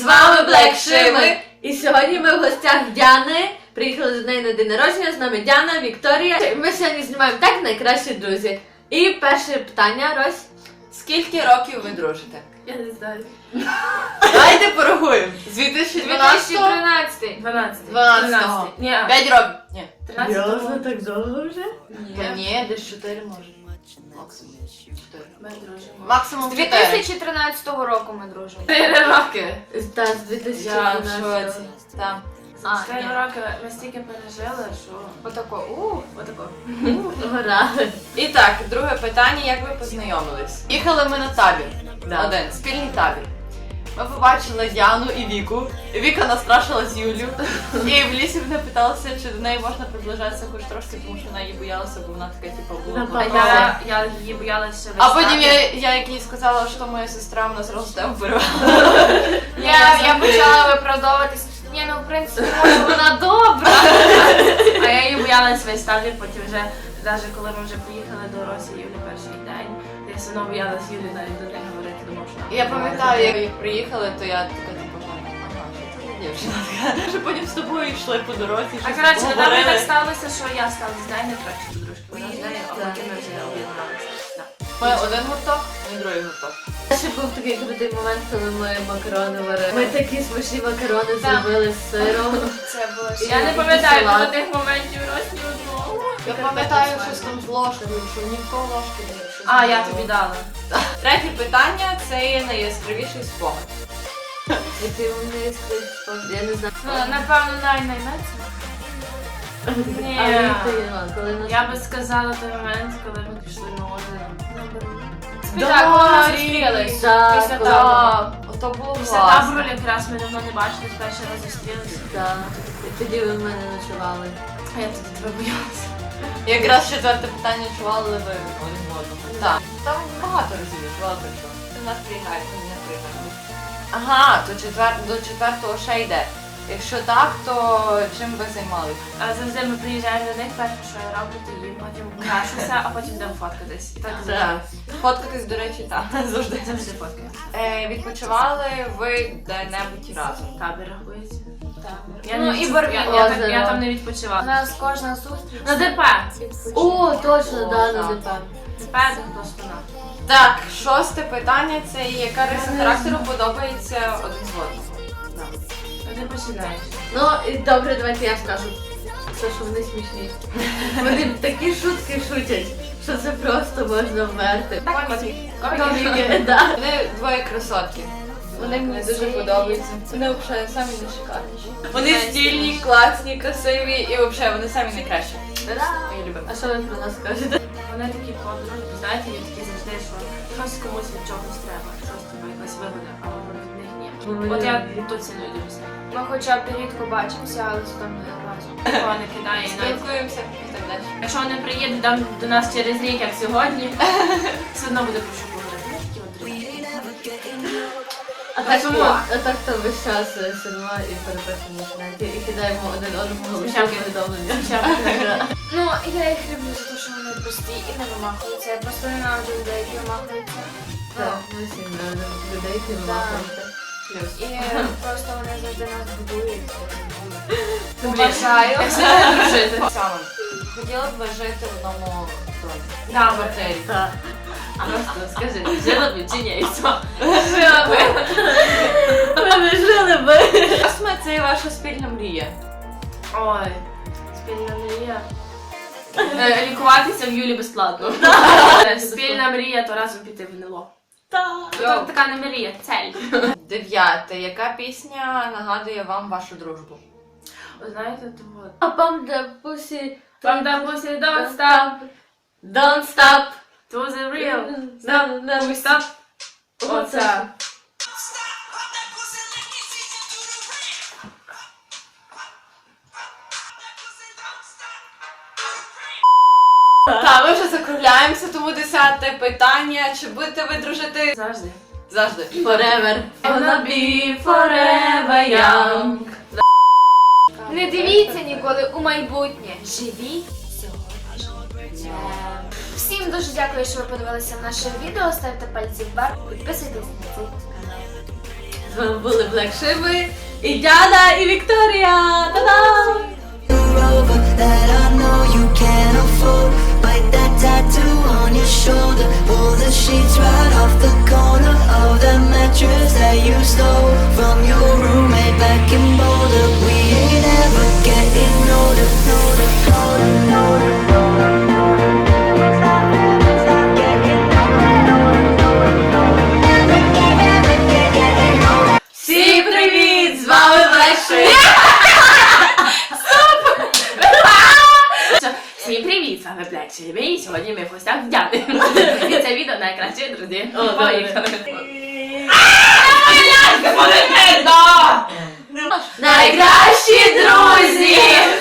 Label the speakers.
Speaker 1: вами Black Shimmy. І сьогодні ми в гостях Діани. Приїхали до неї на день народження, з нами Діана, Вікторія. Ми сьогодні знімаємо так найкращі друзі. І перше питання, Рось.
Speaker 2: Скільки років ви дружите?
Speaker 1: Я не знаю.
Speaker 2: Давайте порахуємо. З 2012
Speaker 3: 2013.
Speaker 2: 12.
Speaker 3: Ні.
Speaker 2: 5 років. Ні.
Speaker 3: 13.
Speaker 1: Так довго вже?
Speaker 2: Ні, десь 4 може. Максимум 4.
Speaker 3: Ми дружимо.
Speaker 2: Максимум
Speaker 3: З
Speaker 2: 4.
Speaker 3: 2013 року ми дружимо.
Speaker 2: 4 роки.
Speaker 1: Так, з
Speaker 2: Я в
Speaker 1: 2012.
Speaker 2: шоці. Там.
Speaker 3: За
Speaker 2: 4
Speaker 3: роки ми стільки пережили, що... Отако, отако.
Speaker 1: Гора.
Speaker 2: І так, друге питання, як ви познайомились? Їхали ми на табір.
Speaker 1: Да.
Speaker 2: Один, спільний табір. Ми побачили Діану і Віку. Віка настрашилась Юлю. І в лісі мене питалася, чи до неї можна приближатися хоч трошки, тому що вона її боялася, бо вона така, типу, була.
Speaker 1: Напала.
Speaker 3: Я її боялася
Speaker 2: А
Speaker 3: весь
Speaker 2: потім
Speaker 3: табір.
Speaker 2: я як їй сказала, що моя сестра, вона зразу тебе вбирала.
Speaker 3: Я почала виправдовуватись. Ні, ну в принципі, може вона добра. А я її боялась весь табір, потім вже, навіть коли ми вже поїхали до Росії Юлі перший день, я все одно боялась Юлі навіть до неї говорити, тому що...
Speaker 2: Я пам'ятаю, як приїхали, то я така, типу, ага, що це за дівчина така. Що потім з тобою йшли по дорозі,
Speaker 3: А
Speaker 2: щось
Speaker 3: коротше, недавно
Speaker 2: поговорили.
Speaker 3: так сталося, що я стала з нею найкращою подружкою, вона з нею, а потім ми вже об'єдналися.
Speaker 2: Ми один гурток, ми другий гурток.
Speaker 1: Ще був такий крутий момент, коли ми макарони варили. Ми такі смачні макарони
Speaker 3: Так.
Speaker 1: зробили з сиром.
Speaker 3: Це було...
Speaker 1: І
Speaker 3: Я не
Speaker 1: якийсь
Speaker 3: пам'ятаю
Speaker 1: салат.
Speaker 3: про тих моментів ні одного.
Speaker 2: Я пам'ятаю, щось там з ложкою, що ні в кого ложки не було, щось
Speaker 3: А,
Speaker 2: не
Speaker 3: я
Speaker 2: було.
Speaker 3: тобі дала.
Speaker 2: Третє питання – це є найяскравіший спогад.
Speaker 1: Який вони є, я не знаю.
Speaker 3: Ну, напевно, найменше. Ні.
Speaker 1: Але це є, коли нас...
Speaker 3: Я би сказала той момент, коли ми пішли на озеро.
Speaker 2: Да,
Speaker 3: Так, коли ми
Speaker 2: Рі.
Speaker 3: зустрілись.
Speaker 1: Так,
Speaker 3: Після
Speaker 1: коли-
Speaker 3: табору.
Speaker 2: Ото було
Speaker 3: Після
Speaker 2: класно.
Speaker 3: табору якраз ми давно не бачились, перший раз зустрілися.
Speaker 1: Так. І тоді ви в мене ночували.
Speaker 3: А я тоді тебе боялася.
Speaker 2: Якраз четверте питання, чували ви один в одному. Так. Там багато разів я чувала, так що ти нас приїхаєш, ми не приїхаємо. Ага, то до четвертого ще йде. Якщо так, то чим ви займалися?
Speaker 3: А завжди ми приїжджаємо до них, перше, що я роблю, то їм, потім крашуся, а потім йдемо фоткатись. І так завжди.
Speaker 2: Фоткатись, до речі, так. Завжди.
Speaker 3: Завжди фоткаю.
Speaker 2: Відпочивали ви де-небудь разом?
Speaker 3: Табір рахується.
Speaker 1: Ну,
Speaker 3: Я не
Speaker 1: і
Speaker 3: відпочив-
Speaker 1: Барбі
Speaker 3: я
Speaker 1: озеро.
Speaker 3: там не відпочивала.
Speaker 4: У нас кожна зустріч.
Speaker 3: На ДП.
Speaker 1: О, точно,
Speaker 2: О,
Speaker 1: да,
Speaker 2: так.
Speaker 1: на ДП.
Speaker 3: ДП до спина.
Speaker 2: Так, шосте питання – це яка риса характеру подобається один з одним?
Speaker 3: Ти починаєш.
Speaker 1: Ну, і добре, давайте я скажу. Це що вони смішні. Вони такі шутки шутять, що це просто можна вмерти.
Speaker 3: Коміки.
Speaker 1: Да.
Speaker 2: Вони двоє красотки. Вони мені дуже подобаються. Вони взагалі самі найшикарніші. Вони стильні, класні, красиві і взагалі вони самі найкращі. Мої любимі.
Speaker 1: А що ви про нас кажете?
Speaker 3: Вони такі подруги, знаєте, є такі завжди, що щось комусь від чогось треба, щось тебе якась вигода, а вони в них ні. От я тут ціную дуже сильно.
Speaker 4: Ми хоча б рідко бачимося, але з там не разом.
Speaker 3: Нікого не кидає і навіть.
Speaker 2: Спілкуємося і так далі.
Speaker 3: Якщо вони приїдуть там до нас через рік, як сьогодні, все одно буде про що поговорити. Вони такі от друзі.
Speaker 1: А так то весь час сидимо і переписуємо в інтернеті і кидаємо один одному
Speaker 3: Смішарки.
Speaker 1: повідомлення.
Speaker 4: Ну, я їх люблю за те, що вони прості і не вимахуються. Я просто ненавиджу людей, які вимахуються.
Speaker 1: Так, ми всі людей, які вимахуються.
Speaker 2: Плюс.
Speaker 4: І просто вони завжди нас будують.
Speaker 3: Поважаю. Як себе дружити.
Speaker 2: Саме. Хотіла б ви жити в одному домі?
Speaker 3: Да,
Speaker 2: В квартирі.
Speaker 1: Так.
Speaker 3: Просто скажи, жила б чи ні, і все.
Speaker 1: Ми не жили би.
Speaker 2: Косме – це ваша спільна мрія.
Speaker 3: Ой, спільна мрія. Лікуватися в Юлі безплатно. Спільна мрія, то разом піти в НЛО.
Speaker 1: Так.
Speaker 3: Така не мрія, цель.
Speaker 2: Дев'яте. Яка пісня нагадує вам вашу дружбу?
Speaker 3: Ви знаєте, то от.
Speaker 1: А пам де пусі.
Speaker 3: From the pussy don't stop,
Speaker 1: Don't stop.
Speaker 3: to the real.
Speaker 1: Stop.
Speaker 3: Stop. Оце.
Speaker 2: Так, ми вже закругляємося, тому 10-те питання. Чи будете ви дружити?
Speaker 3: Завжди.
Speaker 2: Завжди.
Speaker 1: Forever. Gonna be forever young.
Speaker 4: Не дивіться ніколи у майбутнє. Живіть сьогодні. Всім дуже дякую, що ви подивилися наше відео. Ставте пальці вверх, підписуйтесь на цей канал.
Speaker 1: З вами були Black Shibi і Діана, і Вікторія. Та-дам!
Speaker 5: Rover that I know you can't afford. Bite that tattoo on your shoulder. Pull the sheets right off the corner of the mattress that you stole from your roommate back in Boulder. We ain't ever getting older, older, older, older, older.
Speaker 1: Всім привіт! З вами Black Shibi!
Speaker 3: Всім привіт, з вами Black Shibi, і сьогодні ми в гостях в Діани. І це відео найкраще, друзі. Поїхали.
Speaker 1: Найкращі друзі!